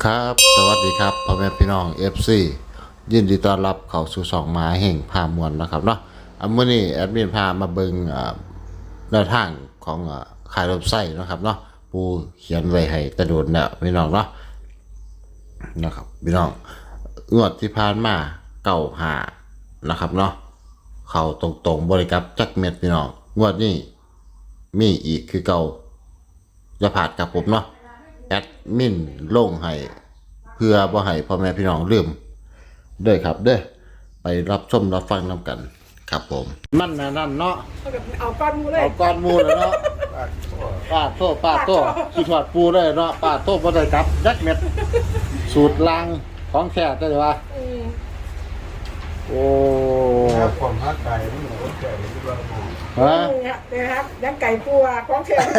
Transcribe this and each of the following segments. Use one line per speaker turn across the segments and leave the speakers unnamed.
ครับสวัสดีครับพ่อแม่พี่น้อง FC ยินดีต้อนรับเข้าสู่ช่องหมาแห่งพามวลนะครับเนาะมื้อนี้แอดมินพามาเบิ่งแนวทางของขายรถไส้นะครับเนาะปูเขียนไว้ให้กระโดดแล้วพี่น้องเนาะนะครับพี่น้องงวดที่ผ่านมา95นะครับเนาะเข้าตรงๆบริกรับจักเม็ดพี่น้องงวดนี้มีอีกคือเก่าอย่าพลาดกับผมเนาะแอดมินลงให้เพื่อบ่ให้พ่อแม่พี่น้องลืมเด้อครับเด้อไปรับชมรับฟังนำกันครับผมนั่นนะนั่นเนาะ
เอาก้อนมูเลย
เอาก้อนมูเลยเนาะป้าโตคิดทอดปูได้เนาะป้าโตบ่ได้กลับยักเม็ดสูตรลางของแท้ได้ว่าโอ้
ผมฮักไก่ไม่เหมือนคนแก่ที่เราพูด
นะครับยังไก่ปัวของแข็ง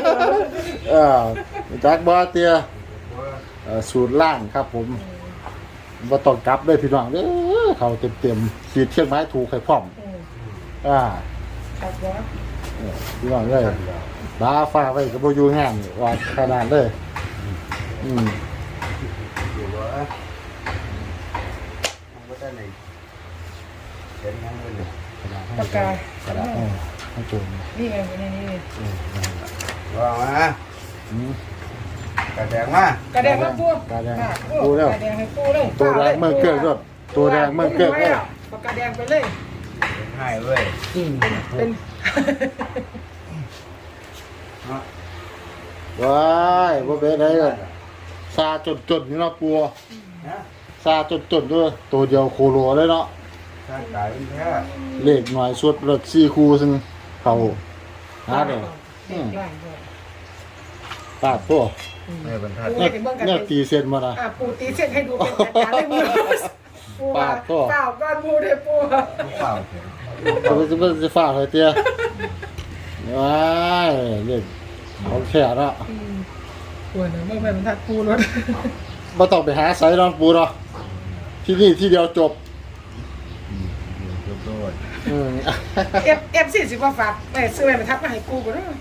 จักบ่เตียสูตรล่างครับผมบ่ต้องกลับด้วยพี่น้องเด้อเขาเต็มๆขีดเชียงไม้ถูกให้พร้อม
ครับว่า
พี่น้องเลยบ้าฟ้าไว้ก็บ่อยู่งานว่าขนาดเลย
อยู่ว่ามันก็ได้ในเห็นยังไงเนี่ย
ปากกาก
ระดาษให้จุ่ม
นี่ไงนี่
ว่ามา กระแดงมาก
ระแดงมาปู
กระแดงปูแล้ว
กระแดงให้ปูเลย
ตัวแดงเมืองเกลือด้วยตัวแดงเมืองเกลือเลย
ปากกาแดงไปเลย
ให้เว้ย
เป็น
ว้ายบ่เป็นไรเลยซาจนนี่เนาะปัวซาจนด้วยตัวเดียวโคโลเลยเนาะ
ถ้าไก่เป็นแค่
เลขหน่อยสุดรถ4คู่ซึ่งเขาหาได้ปาดตัว
เนี่ยบรรทัด
เนี่ยตีเส้นมาละ
ปูตีเส้นให้ดูเป็นการได้มือ
ปาดตัว
เปล่าก้อนมูได้ปู
เปล่า
จะฝากเลยเตี้ยว้ายเล่นเขาแค่ละ
ปวดเนอะเมื่อไหร่มันทัดปูรถ
มาต้องไปหาไซน์นอนปูเนาะที่นี่ที่เดียวจบ
40ว่าฝากไปซื้อไปทับมาให้กูก่อนเนาะ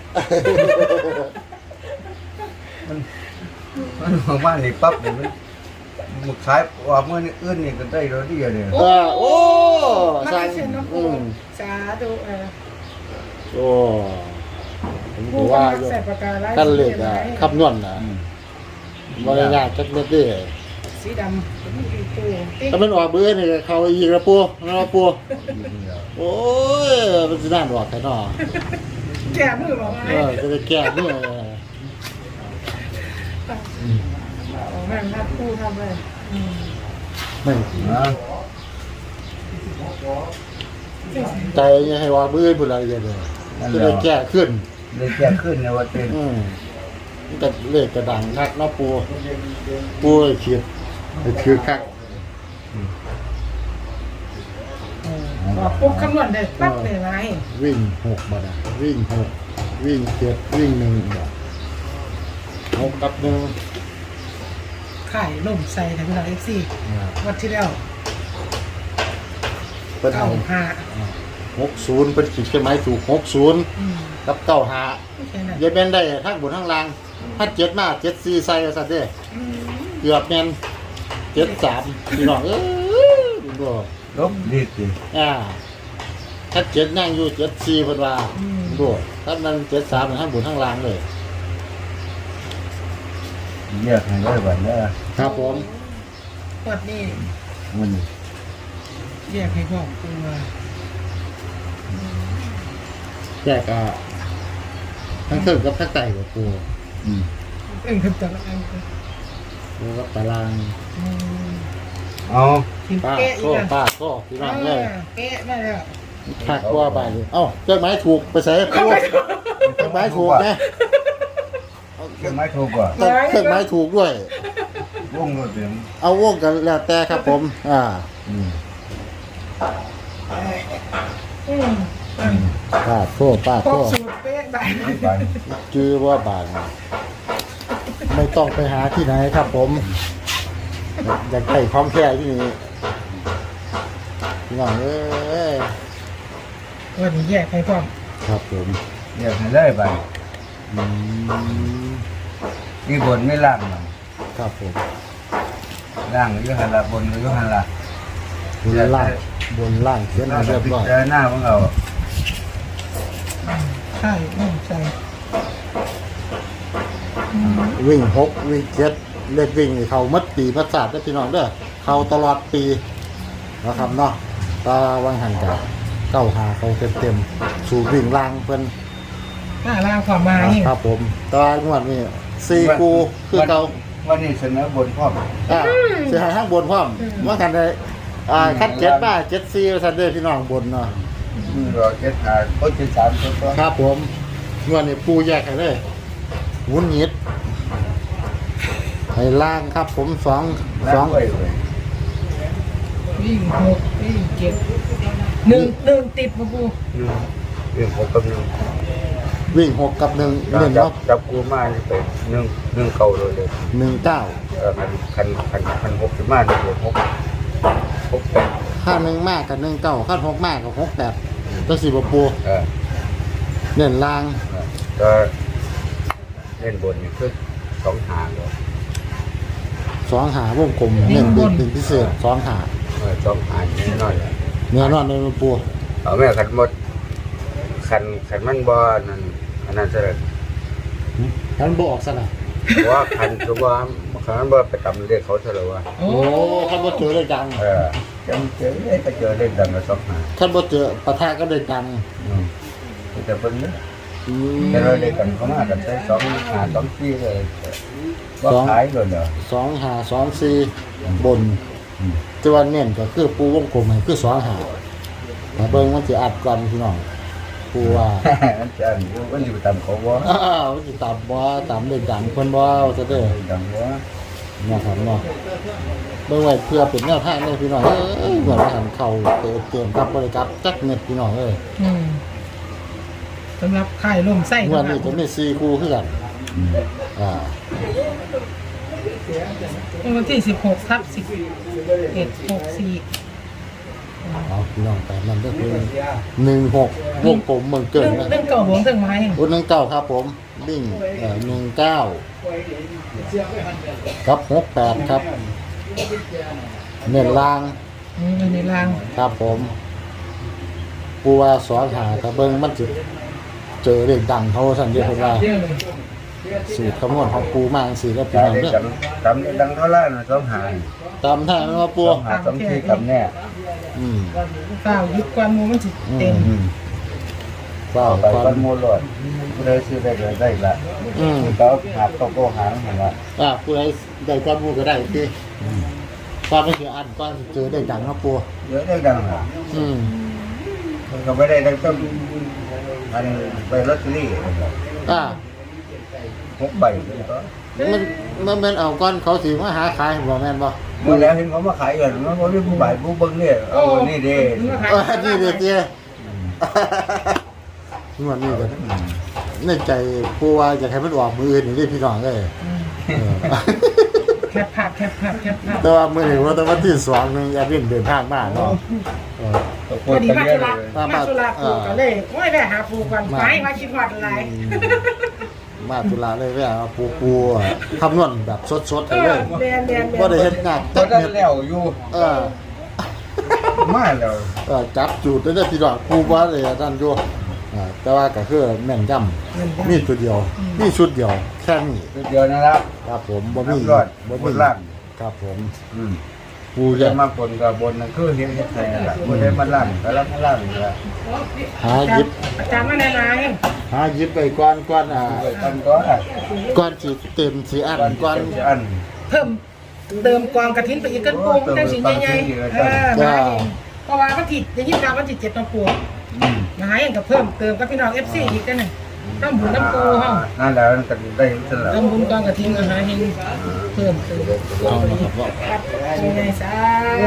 มันของบ้านนี่ปั๊บเนี่ยมันขายออกเมื่อนี่อื่นนี่ก็ได้รถดีเลย
โอ้
สาธุ
โอ้ผมว่ากันเล็กขับนวลนะบริญญาจักเม็ดดิ
สีดำ
ถ้ามันออกเบื่อนี่เขาอีกแล้วปูนะปูโอ้ยมันจะน่าหนวกแค่นอ
แก่มือบอกไง
จะไปแก่มือ
แม่ทัดปูทำเลย
ไม่ใจยังให้ว่าเบื่อพูดอะไรอย่างเงี้ยจะได้แก่ขึ้น
ได้แก่ขึ้นในวันเป็น
แต่เลขกระดังนักเนาะปูเขียดคือคัก
ปุ๊บคำนวณได้ปั๊บเลยไหม
วิ่ง6บาทวิ่ง6วิ่ง7วิ่ง1บาท6กับ1
ไข่ล่มใส่ทั้งเราFCวันที่แล้ว
เป็น60เป็นขีดใช่ไหมถูก60กับ95อย่าเป็นได้ทั้งบนทั้งล่างถ้า7มา74ใส่ซะเด้เกือบแม่น73พี่น้องบ่
ลบดีสิ
ถ้า7นั่งอยู่74เพิ่นว่าบ่ถ้ามัน73ทั้งบนทั้งล่างเลย
เรียกให้ได้บัดนี้
ครับผม
วัดนี้
มัน
เรียกให้พ่อปูว่า
แยกทั้งเครื่องกับทั้งไต่กับปู
คือตาราง
ปูกับตาราง
เอา
ป้าก็พี่น้องเลย
เป๊ะมาแล้ว
หักว่าไปเอ้าเครื่องไม้ถูกไปใส่ปูเครื่องไม้ถูกนะ
เครื่องไม้ถูกกว่า
เครื่องไม้ถูกด้วย
วงก็เต็ม
เอาวงกันแล้วแต่ครับผมป้าโทษจื้อว่าบาทไม่ต้องไปหาที่ไหนครับผมอยากได้ความแค่ที่นี่พี่น้อง
วันนี้แยกให้พร้อม
ครับผม
แยกให้ได้ไปมีบนไม่ล่างมัน
ครับผม
ล่างอยู่หันละบนอยู่หันละ
บนล่างบนล่างเขียนให้เรียบร้อย
เจอหน้าของเรา
ใช่ใช่
วิ่ง6วิ่ง7เลขวิ่งนี่เขามัดปีมัดศาสตร์ได้อพี่น้องเด้อเขาตลอดปีนะครับเนาะตาวังหันกับเก้าหาเขาเต็มๆสู่วิ่งล่างเพิ่น
หน้าล่างความหมาย
ครับผมตางวดนี้4กูคือเก่า
วันนี้เสนอบนพ่อม
สิให้ทางบนพร้อมว่ากันได้คัด7มา74ว่าซั่นเด้อพี่น้องบนเนาะ
รอ75เขา73ตัว
ครับผมงวดนี้ปูแยกให้เลยหมุนหยิดให้ล่างครับผม2
ไว้เลย
วิ่ง6วิ่ง7 1ติดมาปู
เรื่องของกำลัง
วิ่ง6กับ1เน้น
จับ
เนาะ
จับกูมานี่ไป1เก่าเลย
19
คัน6ขึ้นมานี่6
ค่า1มากกับ19ค่า6มากกับ68ตัวสิบ่ปู เน้นล่าง
ก็เล่นบนนี่คือ2หางเลย
2หาวงกลมเน้นเป็นพิเศษ2หา
2หางแน่นอน
เนื้อนอนเลยปู
เอาแม่ขันหมดขันมันบ่นั่นอันนั้นซะเลย
ท่านบ่ออกซะน่ะ
เพราะว่าขันคือว่าขันมันบ่ไปตำเรียกเขาซะแล้วว่า
โอ้
โอ้คันบ่เจอได้ดัง
จังเจอไปเจอเล่นดังกับ2หาง
คันบ่เจอปะทะก็ได้ดัง
แต่เพิ่นเนี่ย
อืม
แต่เราเล่นกันเขามากันใช้2หาง2ซี่เลยว่าขายเลยเหรอ
2หา2 4บนแต่ว่าเน้นก็คือปูวงกลมให้คือ2หาแต่เบิ่งมันสิอัดกันพี่น้องปูว่า
อันจะอันนี้มันอยู่ตามเขาบ่
มันสิตามบ่ตามได้ดังเพิ่นบ่ซะเด้อ
ดังบ่
นะครับเนาะเบิ่งไว้เพื่อเป็นแนวทางเลยพี่น้องเหมือนว่าหันเข้าเตรียมครับบ่ได้ครับจักเม็ดพี่น้องเอ้ย
สำหรับไข่ล่มไส้
งวดนี้ก็มี4คู่คือกัน
วันที่16/11/64
เอาพี่น้องไปมันก็คือ16วงกลมเมืองเกินนะ
เรื่องเก่าหวงถึงไม้
รุ่น19ครับผมวิ่ง19กับ68ครับเน้นล่าง
ในล่าง
ครับผมปูว่า2หาถ้าเบิ่งมันสิเจอเด็กดังเขาสั่นเดียวเพิ่นว่าสูตรคำนวณของปูมาจังซี่แล้วพี่น้อง
ได้
เด้อ
ดังเท่าไหร่นะ2หาง
ตามท่ามันว่าปู
2หาง2ซี่กับแน่
เปล่ายึดความมูมันจิตเต็ม
ว้าว
ไป
ควา
บ้าน
ม
โมลอดเลยซื้อได้เลยได้ละก็หาโก็หางหั่นล่ะ
ผู้ใดได้ความรู้ก็ได้ที่ความไม่เกี่ยวอันก็เจอได้ดังเนาะปู
เยอะได้ดังล่ะ ก็ไม่ได้ดังต้องอันไปลอตเตอรี่6 ใบก็
มันเอาก้อนเขาสิมาหาขายบ่แม่นบ่
เมื่อแล้วเห็นเขามาขายกันมันบ่ได้ผู้ใบผู้เบิ่งเนี่ยเอานี่เด้
นี่เด็กเตี้ยงวดนี้ก็ในใจผู้ว่าอยากให้มันออกมืออื่นนี่พี่น้องเอ้ย
แคบภาพ
แต่ว่ามื้อนี้ว่าแต่วันที่2นึงอย่าเดินทางมาเนาะ
พอดีมาตุลาปูกันเลยโอ้ยแม่หาปูกันไม้มาคิดหอดอะไร
มาตุลาเลยแว่ปูคำนวณแบบสดๆเลย
แมน
บ่ได้เฮ็ดงาน
ก็
จัก
ได้
เม็ด
แล้วอยู่มาแล้ว
จับจูดได้พี่น้องปูว่าเลยนั่นอยู่แต่ว่าก็คือแม่นยำมีตัวเดียวมีชุดเดียวแค่นี้
เดี๋ยวนะครับ
ครับผมบ่มี
รอดบนล่าง
ครับผมปู
จะ
จะ
มาบนกับบนนั่นคือเฮ็ดไทยนั่นล่ะบ่ได้มาล่างแล้วล่างนี่ล่ะ
หาหยิบ
อาจารย์มาแนะน
หาหยิบไปก่อน
กันก็
ก่อนสิเต็มสิอันก่อน
อัน
ำเพิ่มเติมกองกระถินไปอีกกันปูมันได้สิ่งใหญ่ๆมาเองเพราะว่าวันที่จะยิ่งการวันที่7น้ำปูมาหาอย่างกับเพิ่มเติมกับพี่น้อง FC อีกกันน่ะน้ำบุญน้ำปูเฮา
นั่นแล้วกันได้ซั่นล่ะ
น้ำบุญกองกระถินอาหารให้เพิ่มเติม
เอาละครับว่า
ยังไงซะ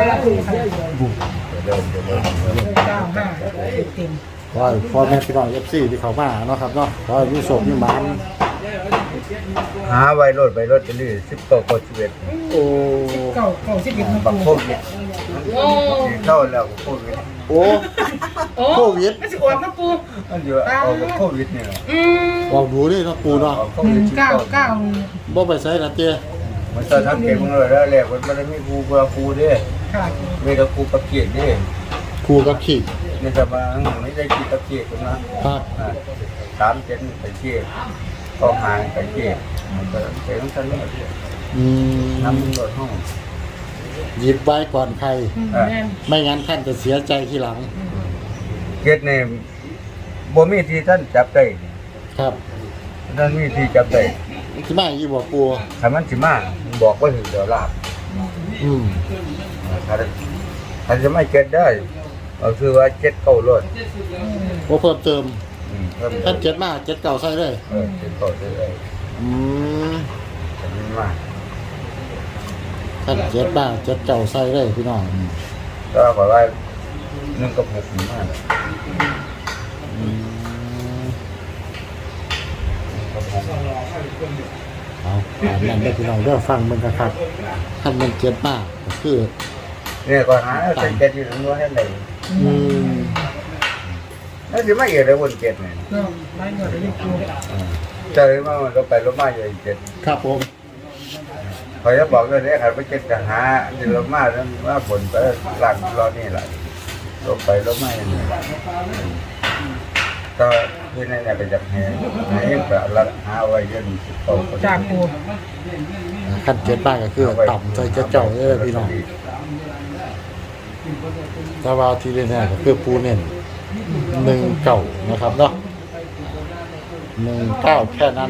95เต็ม
ขอให้พ่อแม่พี่น้อง FC ที่เข้ามาเนาะครับเนาะขอให้มีโชคมีหมาน
หาไว้รถไปรถจะนี่10ต่อ11
โอ้
เก่า11น้ำ
บักโค
ปู
วิด
โอ้
เข้าแล้วโควิด
โอ้ โควิด
ไม่สิอวดน้ำปู
มันอยู่เอาโควิดเนี่ย
ออกดูนี่เนาะปูเนาะ
โควิด
199
บ่ไปใส่ละเตี้ย
มันจะทำเก็บของเราแล้วแหละมันไม่ได้มีครูเพื่อครูเด้
ค่ะ
ไม่ได้ครูประเกียดเด้
ครูกับขีด
นี่จะมาไม่ได้คิดประเกียดนะครับ 3 7ไปเกียดก็หายไปเกียดมันก็เสียงท่านนี่
อืม
น้ำมันลดห้อง
หยิบไว้ก่อนใคร
แม่น
ไม่งั้นท่านจะเสียใจทีหลัง
เกียดในบ่มีที่ท่านจับได้
ครับ
ท่านมีที่จับได้
ที่มาอยู่บ่ปู
ถ้ามันสิมาบอกว่าถึงเดี๋ยวลาบ
อืม
ถ้าจะไม่เก็ตได้เอาคือว่าเก็ตเก้ารถ
บ่เพิ่มเติม
เพิ่ม
ท่านเจ็ดมาเจ็ดเก่าใส่เลย
เก็ตเก้าได้เลย
อืม
แต่มันมา
ท่านเจ็ดมาเจ็ดเก่าใส่เลยพี่น้อง
ก็ขอว่า1 กับ 6นี่มา
อืม
กับ6
เอาตามนั้นได้อพี่น้องเด้อฟังมันครับท่านมันเจ็ดมาก็คือ
เนี่ยก็หาเส้นเก็ตอยู่ตรงนู้นให้ไหน
อืม
นั่นสิไม่เอียดเลยวนเก็ตเนี่ย
เนาะไล่เงินเลยปู
เจอมาเราไปรถมาอยู่เก็ต
ครับผม
คอยจะบอกเลยเนี่ยครับไปเก็ตจะหาเดี๋ยวรถมาแล้วว่าผลไปหลังรอนี่แหละรถไปรถมาอย่างนี้ก็คือในเนี่ยไปจับแหงแบบรัดหาไว้ยันโต
จากปู
ท่านเจ็ดมาก็คือต่ำใส่เจ็ดเก่าเลยพี่น้องแต่ว่าที่เล่นเนี่ยก็คือปูเน้น1 เก่านะครับเนาะ1 9แค่นั้น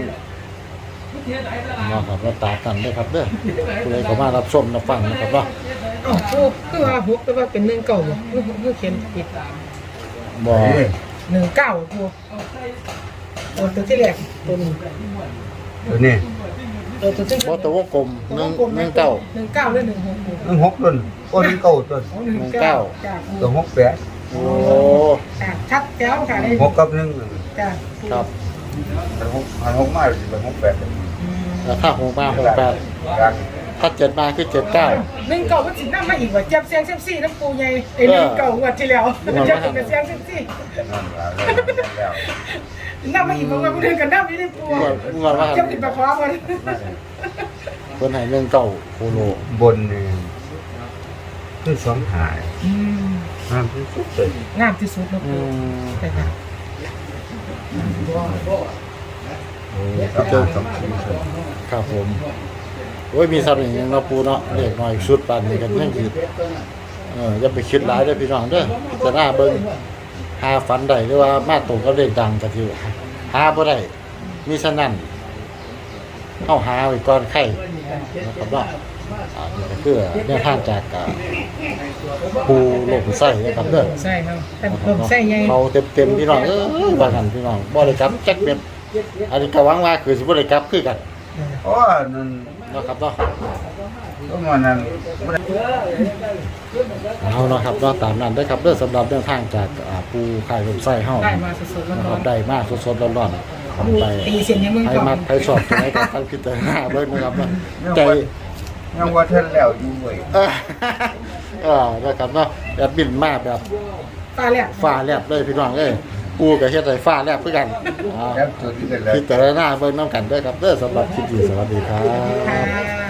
นะครับแล้วตากันด้วยครับเด้อผู้ใดก็มารับชมรับฟังนะครับเนาะ
อ๋อปูคือว่าหกแต่ว่าเป็น1 เก่าคือเขียนผิด
บ่
1 9ปูตัวที่แรกตัวนี้
ตัวนี้
ตัวที่
บ่ตัววงกลม1 1 9
1 9หรือ1 6ปู
6ต้นต้นเก้าต้น
1 9จากปู
ตัว
โ
68
อ้
ชัดแจ๋วค่ะได้
6กับ1
จ้ะ
ครับ
6มาสิเป็น68
แล้วถ้า6มา68
รัง
ถ้า7มาคือ79
1 เก่ามันสินำมาอีกว่าเจ็บเสียงเซมซี่น้ำปูใหญ่ไอ้1 เก่างวดที่แล้วเจ็บเป็นเสียงเซมซี่
นั่นแล้ว
น้ำมาอีกบางวันเดินกันน้ำนี่ได้ปู
งวดว่า
เจ็บติดปากคอมัน
เพิ่นให้1 เก่าโคโล
บนนี่คือ2หายน้ำที่สุดเลย
งามที่สุดนะ
อื
ปู
ม
แต่ค่ะ
เจอสองชิ้นเลย
ครับผมโอ้ยมีซ้ำอย่างนี้เนาะปูเนาะเล็กน้อยชุดปานนี้กันยังคิดอย่าไปคิดหลายเด้อพี่น้องเด้อพิจารณาเบิ่งหาฝันได้หรือว่ามาตรงกับเลขดังก็ถือหาบ่ได้มีฉะนั้นเฮาหาไว้ก่อนไข่นะครับว่านี่ก็คือแนวทางจากปูโลกไส้นะครับเด้อ
ใช่ครับแต่ผมใส่ใหญ่
เขาเต็มๆพี่น้องบางกันพี่น้องบ่ได้กลับจักเม็ดอันนี้ก็หวังว่าคือสิบ่ได้กลับคือกัน
เพราะว่านั่น
เนาะครับเนาะ
ก็มันนั่น
เอาเนาะครับเนาะตามนั้นได้อครับเด้อสำหรับแนวทางจากปูไข่ลมไส้เฮา
ได้มาสดๆ
นะค
ร้อ
รั
น
บได้มากสดๆร้อนๆ
ๆดู
ไป
ตีเสียงยังมึง
ใคร
ก่อน
มักใครชอบตัวไหนก็ตั้งพิจารณาเบิ่งนะครับเนาะใจ
ยังว่าท่านแล้วอยู่เว้ย
นะครับเนาะแบบบินมาแบบ
ตาแหลก
ฟ้าแลบเลยพี่น้องเอ้ยปูกับเฮ็ดให้ฟ้าแลบคือกัน
แล้วจุดที่เป็นแล้ว
พิจารณาเบิ่งน้ำกันเด้อครับเด้อสำหรับคลิปนี้สวัสดีครับ
ค่ะ